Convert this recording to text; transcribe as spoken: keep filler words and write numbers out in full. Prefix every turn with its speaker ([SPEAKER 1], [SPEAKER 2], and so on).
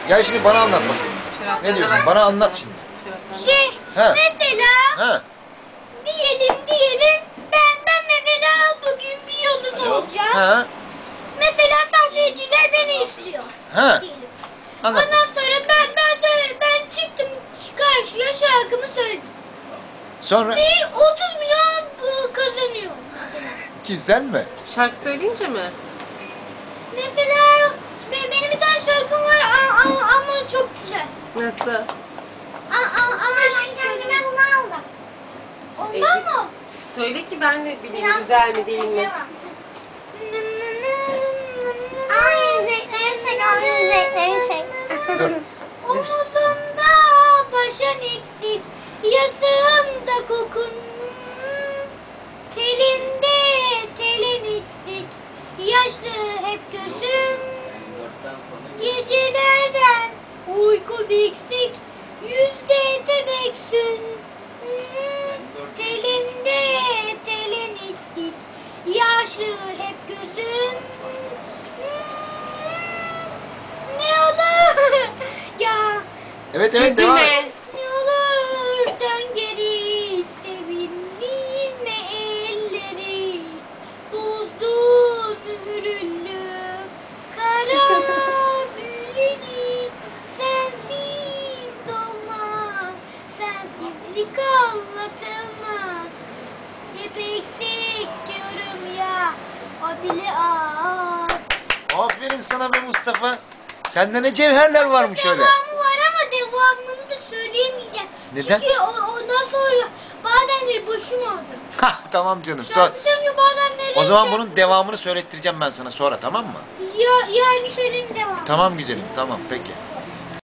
[SPEAKER 1] Gel şimdi bana anlat bakayım. Ne diyorsun? Bana anlat şimdi.
[SPEAKER 2] Şey,
[SPEAKER 1] He.
[SPEAKER 2] mesela
[SPEAKER 1] Ha.
[SPEAKER 2] diyelim diyelim ben ben mesela bugün bir yolun olacağım.
[SPEAKER 1] Ha.
[SPEAKER 2] Mesela sahneciler beni istiyor.
[SPEAKER 1] Ha.
[SPEAKER 2] Diyelim.
[SPEAKER 1] Anlat.
[SPEAKER 2] Ondan sonra ben ben söyle, ben çıktım karşıya şarkımı söyledim.
[SPEAKER 1] Sonra
[SPEAKER 2] Bir otuz milyon bu kazanıyor.
[SPEAKER 1] kim sen mi?
[SPEAKER 3] Şarkı söyleyince mi?
[SPEAKER 2] Mesela be- benim bir tane şarkım var a- a- ama çok güzel.
[SPEAKER 3] Nasıl?
[SPEAKER 2] A- a- ama ben kendime bunu aldım. Ondan
[SPEAKER 3] Evet.
[SPEAKER 2] mı?
[SPEAKER 3] Söyle ki ben de bileyim güzel mi değil mi?
[SPEAKER 2] Ay yüzekleri çek, abi yüzekleri çek. Omuzumda başın eksik, yatağımda kokun. Telimde telin eksik, yaşlı hep gözüm. Gecelerden uyku biksik, yüzde tebessüm. Telimde telin eksik, yaşlı hep gözüm. Ne olur ya,
[SPEAKER 1] Evet evet devam et.
[SPEAKER 3] Güldürme.
[SPEAKER 2] ne olur dön geri, sevinme elleri, buzlu mühürlü kara büyüleni, sensiz olmaz, sensizlik anlatılmaz. Hep eksik diyorum ya, o bile az.
[SPEAKER 1] Aferin sana be Mustafa. Sende ne cevherler varmış öyle.
[SPEAKER 2] Devamı var ama devamını da söyleyemeyeceğim.
[SPEAKER 1] Neden?
[SPEAKER 2] Çünkü o, ondan sonra bazenleri başım ağrıyor.
[SPEAKER 1] Hah tamam canım. Sor.
[SPEAKER 2] Şarkı söylüyor bazenleri.
[SPEAKER 1] O zaman bunun devamını söylettireceğim ben sana sonra, tamam mı?
[SPEAKER 2] Ya, yarın söyleyeyim devam.
[SPEAKER 1] Tamam güzelim, tamam peki.